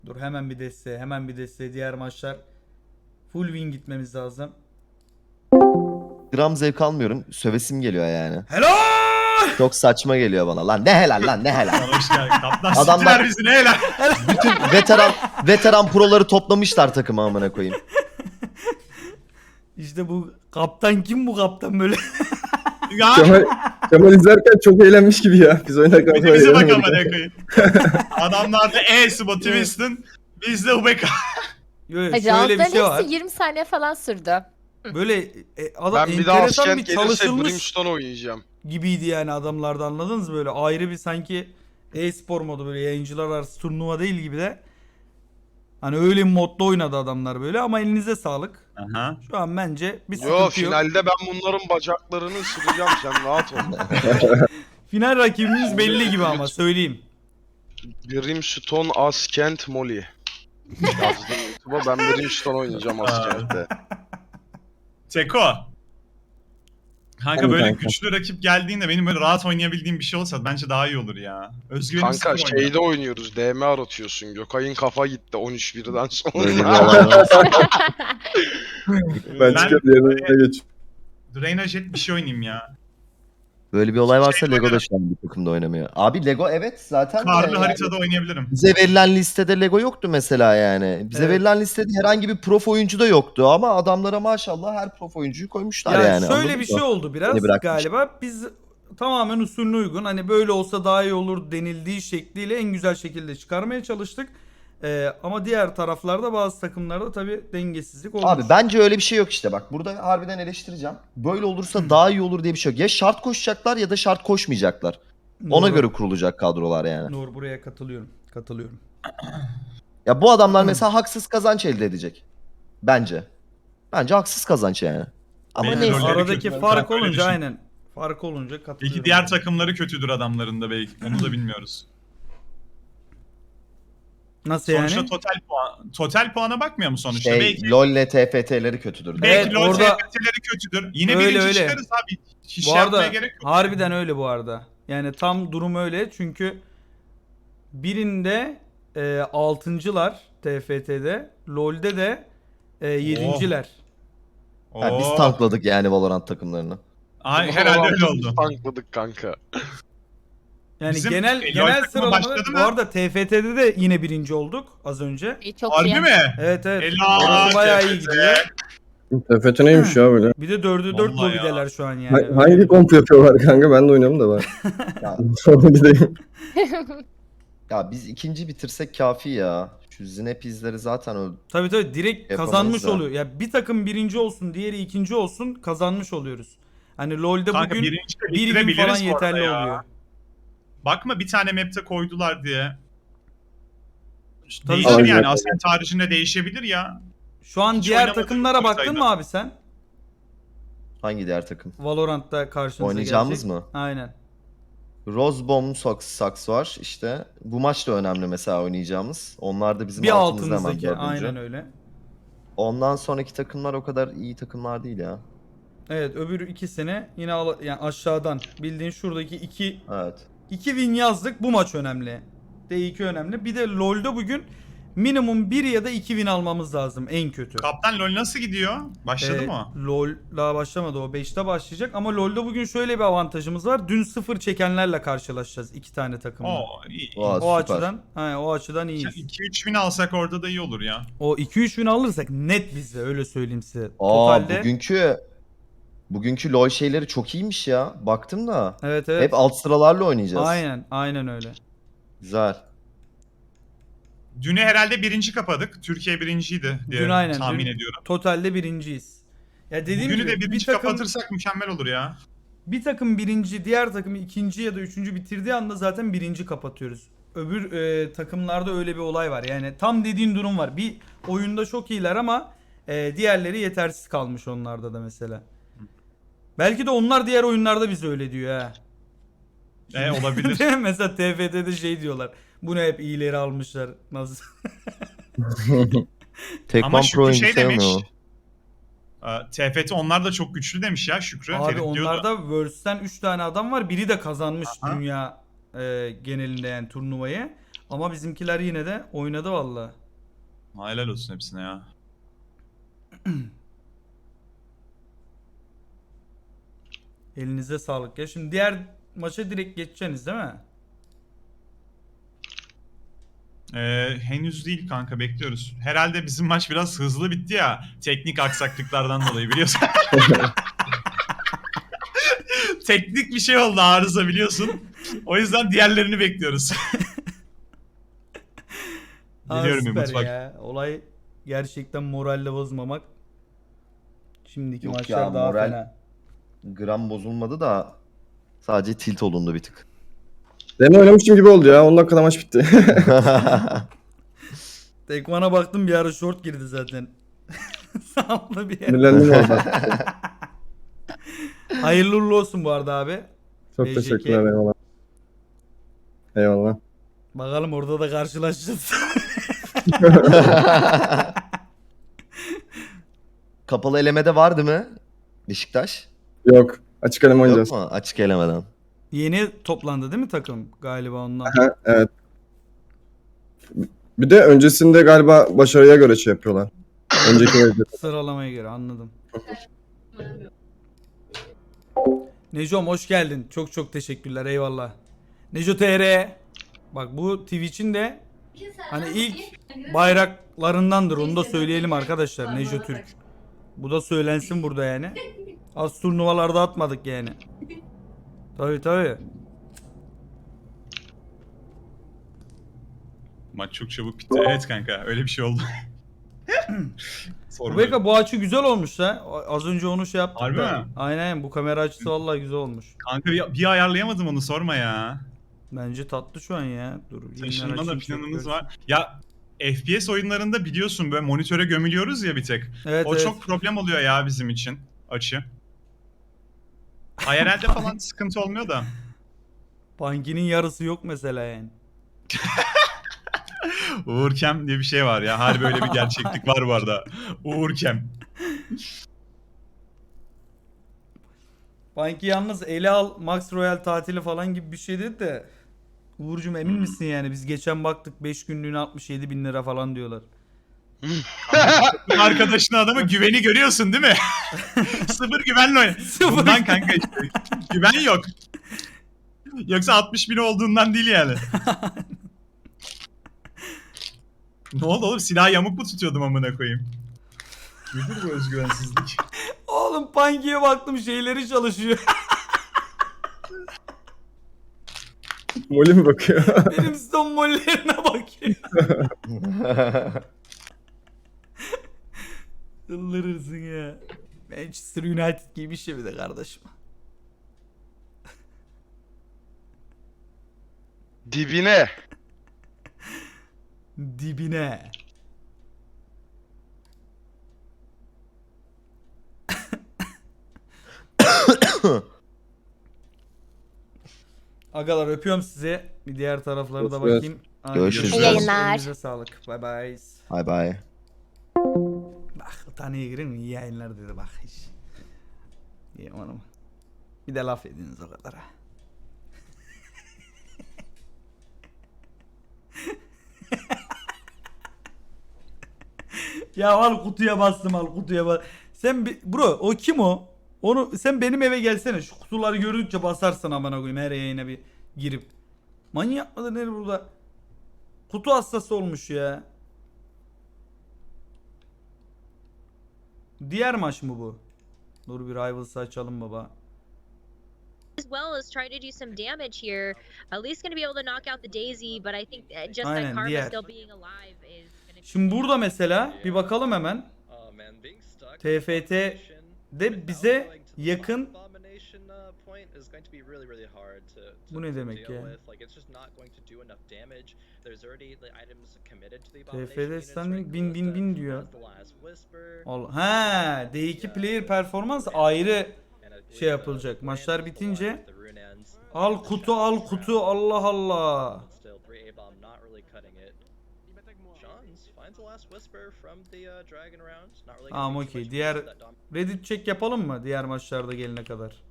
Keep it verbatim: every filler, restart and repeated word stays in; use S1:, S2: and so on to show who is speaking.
S1: Dur hemen bir desteğe, hemen bir desteğe. Diğer maçlar full win gitmemiz lazım.
S2: Gram zevk almıyorum. Sövesim geliyor yani.
S1: Helal!
S2: Çok saçma geliyor bana. Lan ne helal lan ne helal.
S3: Hoş geldin. Kaptan
S2: Adamlar-
S3: siktiler bizi ne helal.
S2: Bütün veteran veteran proları toplamışlar takıma amına koyayım.
S1: İşte bu kaptan kim bu kaptan böyle?
S3: Ya
S4: Kemal, Kemal izlerken çok eğlenmiş gibi ya. Biz oynarken
S3: bir de bize bak amına koyayım. Adamlarda E-Spot Twiston, bizde U B K.
S1: Yo, yo,
S5: Hacı
S1: şöyle bir
S5: altların
S1: şey var.
S5: hepsi yirmi saniye falan sürdü.
S1: Böyle e, adam
S6: Ben bir daha
S1: enteresan
S6: Askent
S1: bir
S6: gelirse
S1: çalışılmış
S6: Brimstone oynayacağım.
S1: gibiydi yani adamlarda, anladınız mı? Böyle ayrı bir sanki e-spor modu, böyle yayıncılar arası turnuva değil gibi de. Hani öyle bir modda oynadı adamlar böyle, ama elinize sağlık.
S3: Aha.
S1: Şu an bence bir sıkıntı
S6: Yo
S1: yok.
S6: finalde ben bunların bacaklarını ısıracağım sen rahat ol.
S1: Final rakibimiz belli gibi ama söyleyeyim.
S6: Brimstone Askent Molly. Yazdım YouTube'a ben Brimstone oynayacağım Askent'te.
S3: Seko. Kanka
S4: Tabii
S3: böyle
S4: kanka.
S3: güçlü rakip geldiğinde benim böyle rahat oynayabildiğim bir şey olsa bence daha iyi olur ya. Özgüvenim
S6: Kanka
S3: sıfır oynuyor.
S6: şeyde oynuyoruz D M aratıyorsun. Gökay'ın kafa gitti on üç birden
S2: Böyle bir
S6: sonra.
S2: olay var.
S4: Ben
S3: Ben-
S4: çıkıp yerine geç.
S3: Draina Jet bir şey oynayayım ya.
S2: Böyle bir olay varsa Lego da şu an bir takımda oynamıyor. Abi Lego evet zaten de
S3: Karlı
S2: yani
S3: haritada oynayabilirim.
S2: bize verilen listede Lego yoktu mesela yani. Bize
S1: Evet.
S2: verilen listede herhangi bir prof oyuncu da yoktu ama adamlara maşallah her prof oyuncuyu koymuşlar
S1: Ya
S2: yani.
S1: şöyle
S2: anladın
S1: bir
S2: mı?
S1: şey oldu biraz
S2: Beni bırakmış.
S1: galiba. Biz tamamen usulüne uygun, hani böyle olsa daha iyi olur denildiği şekliyle en güzel şekilde çıkarmaya çalıştık. Ee, ama diğer taraflarda bazı takımlarda tabii dengesizlik olmuş.
S2: Abi bence öyle bir şey yok işte bak. Burada harbiden eleştireceğim. Böyle olursa daha iyi olur diye bir şey yok. Ya şart koşacaklar ya da şart koşmayacaklar. Ona
S1: Nur-
S2: göre kurulacak kadrolar yani.
S1: Nur, buraya katılıyorum. Katılıyorum.
S2: Ya bu adamlar mesela haksız kazanç elde edecek. Bence. Bence haksız kazanç yani. Ama
S3: Benim
S2: neyse.
S3: rolleri
S1: Aradaki
S3: kötü.
S1: fark
S3: Ben öyle
S1: olunca
S3: düşünüyorum.
S1: aynen. Fark olunca katılıyorum.
S3: Belki diğer takımları kötüdür adamların da belki. Onu da bilmiyoruz.
S1: Nasıl
S3: Sonuçta
S1: yani?
S3: total puan, total puana bakmıyor mu sonuçta?
S2: Şey,
S3: belki
S2: LoL ile T F T'leri kötüdür.
S3: belki
S1: Evet,
S3: LoL
S1: orada-
S3: T F T'leri kötüdür. Yine
S1: Öyle,
S3: birinci
S1: öyle.
S3: çıkarız abi. Hiç
S1: Bu
S3: şey yapmaya
S1: arada
S3: gerek yok.
S1: harbiden öyle bu arada. Yani tam durum öyle, çünkü birinde e, altıncılar T F T'de, LoL'de de e, yedinciler.
S2: Ha, biz
S3: Oo.
S2: tankladık yani Valorant takımlarını.
S3: Ay, herhalde öyle oldu.
S6: Biz tankladık kanka.
S1: Yani
S3: Bizim,
S1: genel
S3: e, LoL
S1: genel
S3: takımı
S1: sıralamada
S3: başladı
S1: bu
S3: mı?
S1: arada T F T'de de yine birinci olduk az önce.
S5: İyi, çok
S3: Harbi
S5: iyi.
S3: mi?
S1: Evet evet.
S3: Helal.
S1: Orası bayağı iyi
S3: T F T.
S1: gidiyor.
S4: T F T neymiş ya böyle?
S1: Bir de dördü dört
S3: Vallahi ya.
S1: lobideler şu an yani.
S4: Ha- hangi komp yapıyorlar kanka? Ben de oynuyorum da ben.
S2: Ya,
S4: Sonra gideyim.
S2: ya biz ikinci bitirsek kafi ya. Şu Zinep izleri zaten öldü.
S1: Tabii tabii direkt
S2: Yapamayız
S1: kazanmış
S2: da.
S1: oluyor. Ya bir takım birinci olsun, diğeri ikinci olsun, kazanmış oluyoruz. Hani LoL'de
S3: Kanka
S1: bugün
S3: birinci de
S1: bir gün
S3: bitirebiliriz
S1: falan
S3: bu arada
S1: yeterli
S3: ya.
S1: oluyor.
S3: Bakma bir tane map'te koydular diye.
S1: Tabii
S3: Değişir
S4: tabii.
S3: yani. Ascent haricinde değişebilir ya.
S1: Şu an
S3: Hiç
S1: diğer
S3: oynamadığım
S1: takımlara
S3: bir
S1: baktın
S3: sayıda.
S1: mı abi sen?
S2: Hangi diğer takım?
S1: Valorant'ta karşınıza
S2: Oynayacağımız
S1: gelecek.
S2: mı?
S1: Aynen.
S2: Rosebomb Sox, Sox var işte. Bu maç da önemli mesela oynayacağımız. Onlar da bizim
S1: Bir
S2: altımızda hemen
S1: altımızdaki
S2: dördüncü.
S1: aynen öyle.
S2: Ondan sonraki takımlar o kadar iyi takımlar değil ya.
S1: Evet, öbür ikisini yine al- yani aşağıdan bildiğin şuradaki iki
S2: Evet.
S1: iki win yazdık. Bu maç önemli. D iki önemli. Bir de LoL'da bugün minimum bir ya da iki win almamız lazım en kötü.
S3: Kaptan LoL nasıl gidiyor? Başladı
S1: Ee,
S3: mı?
S1: LoL daha başlamadı, o beşte başlayacak ama LoL'da bugün şöyle bir avantajımız var. Dün sıfır çekenlerle karşılaşacağız iki tane takımla.
S3: Oo iyi.
S2: Vay,
S1: O
S2: süper.
S1: açıdan, he, o açıdan iyiyiz.
S3: iki üç bin alsak orada da iyi olur ya.
S1: O iki üç win alırsak net bizde, öyle söyleyeyim size.
S2: Aa
S1: Totalde
S2: bugünkü bugünkü LoL şeyleri çok iyiymiş ya. Baktım da.
S1: evet evet.
S2: Hep alt sıralarla oynayacağız.
S1: Aynen, aynen öyle.
S2: Güzel.
S3: Dünü herhalde birinci kapadık. Türkiye birinciydi diye
S1: Dün aynen,
S3: tahmin
S1: dün
S3: ediyorum.
S1: Totalde birinciyiz. Ya dediğim
S3: Bugünü
S1: gibi
S3: de
S1: bir
S3: birinci
S1: takım
S3: kapatırsak mükemmel olur ya.
S1: bir takım birinci, diğer takım ikinci ya da üçüncü bitirdiği anda zaten birinci kapatıyoruz. Öbür e, takımlarda öyle bir olay var. Yani tam dediğin durum var. Bir oyunda çok iyiler ama e, diğerleri yetersiz kalmış onlarda da mesela. Belki de onlar diğer oyunlarda bize öyle diyor ha.
S3: E olabilir.
S1: Mesela T F T'de şey diyorlar. Bunu hep iyileri almışlar. Nasıl?
S2: Tekman
S3: Ama
S2: Pro
S3: Şükrü
S2: oyuncu
S3: şey demiş.
S2: sayılmıyor.
S3: e, T F T onlar da çok güçlü demiş ya Şükrü.
S1: Abi
S3: Ferit diyordu.
S1: onlarda Worlds'ten üç tane adam var. Biri de kazanmış
S3: Aha.
S1: dünya e, genelinde yani turnuvayı. Ama bizimkiler yine de oynadı valla.
S3: Helal olsun hepsine ya.
S1: Elinize sağlık ya. Şimdi diğer maça direkt geçeceksiniz değil mi?
S3: Ee, henüz değil kanka, bekliyoruz. Herhalde bizim maç biraz hızlı bitti ya. Teknik aksaklıklardan dolayı biliyorsun. Teknik bir şey oldu, arıza biliyorsun. O yüzden diğerlerini bekliyoruz.
S1: Aa,
S3: Biliyorum
S1: süper
S3: Umut bak.
S1: ya. Olay gerçekten moralle bozmamak. Şimdiki
S2: Yok
S1: maçlar
S2: ya,
S1: daha
S2: moral-
S1: fena.
S2: Gram bozulmadı da sadece tilt olundu bir tık.
S4: Demo oynamışım gibi oldu ya. on dakikada maç bitti.
S1: Tekman'a baktım bir ara short girdi zaten. Sağlı bir yer.
S4: Sinirlendim orada.
S1: Hayırlı uğurlu olsun bu arada abi.
S4: Çok
S1: B J K.
S4: teşekkürler, eyvallah. Eyvallah.
S1: Bakalım orada da karşılaşacağız.
S2: Kapalı elemede var değil mi? Beşiktaş.
S4: Yok. Açık eleme oynayacağız.
S2: Yok mu? Açık elemeden.
S1: Yeni toplandı değil mi takım galiba ondan?
S4: Ha, evet. Bir de öncesinde galiba başarıya göre şey yapıyorlar. Önceki evde.
S1: Sıralamaya göre anladım. Necom hoş geldin. Çok çok teşekkürler, eyvallah. Neco T R. Bak bu Twitch'in de hani ilk bayraklarındandır, onu da söyleyelim arkadaşlar. Neco Türk. Bu da söylensin burada yani. Az turnuvalarda atmadık yani. Tabii tabii.
S3: Maç çok çabuk bitti. Evet kanka, öyle bir şey oldu. Sorun
S1: Rebecca
S3: yok.
S1: bu açı güzel olmuş ha. Az önce onu şey yaptık
S3: Harbi
S1: da.
S3: mi?
S1: Aynen, bu kamera açısı vallahi güzel olmuş.
S3: Kanka bir, bir ayarlayamadım onu, sorma ya.
S1: Bence tatlı şu an ya. Dur. yeniden
S3: Taşınma da
S1: açayım, çok
S3: planımız
S1: görsün.
S3: var. Ya F P S oyunlarında biliyorsun böyle monitöre gömülüyoruz ya bir tek.
S1: Evet,
S3: O
S1: evet.
S3: çok problem oluyor ya bizim için, açı. I R L'de falan sıkıntı olmuyor da.
S1: Bankinin yarısı yok mesela yani.
S3: Uğurkem diye bir şey var ya. Harbi böyle bir gerçeklik var bu arada. Uğurkem.
S1: Banki yalnız ele al Max Royal tatili falan gibi bir şey dedi de. Uğurcum emin misin yani? Biz geçen baktık beş günlüğüne altmış yedi bin lira falan diyorlar.
S3: Arkadaşın adamı güveni görüyorsun değil mi? Sıfır güvenle oynuyor.
S1: Sıfır.
S3: Bundan kanka işte. Güven yok. Yoksa altmış bin olduğundan değil yani. Ne oldu oğlum? Silah yamuk mu tutuyordum amına koyayım? Nedir bu özgüvensizlik?
S1: Oğlum Banki'ye baktım şeyleri çalışıyor.
S4: Molly mi bakıyor?
S1: Benim son mollerine bakıyor. Çıldırırsın ya. Manchester United gibi bir şey bir de kardeşim.
S6: Dibine.
S1: Dibine. Agalar öpüyorum sizi. Bir diğer taraflara da
S4: Görüşürüz.
S1: bakayım. Hadi
S2: Görüşürüz.
S5: İyi yayınlar.
S1: Elinize sağlık. Bye bye.
S2: Bye bye.
S1: Bak taneye girin mi? İyi yayınlar dedi bak hiç. İyi oğlum. Bir de laf ediniz o kadar ha. Ya al kutuya bastım, al kutuya bas. Sen bi- bro o kim o? Onu sen benim eve gelsene, şu kutuları gördükçe basarsın amına koyayım her yayına bir girip. Manyak mıdır ne burada? Kutu hastası olmuş ya. Diğer maç mı bu? Dur bir Rivals'ı açalım baba.
S7: As well as try to do some damage here. At least going to be able to knock out the Daisy, but I think uh, just
S1: Aynen,
S7: that Karma
S1: diğer.
S7: still being alive is going to
S1: Şimdi burada mesela bir bakalım hemen. T F T'de bize yakın. Bu ne demek ya? T F T standing bin bin bin diyor. Al- Ha, D iki player performans ayrı şey yapılacak. Maçlar bitince al kutu al kutu, Allah Allah. Tamam okey. Diğer Reddit check yapalım mı diğer maçlarda gelene kadar?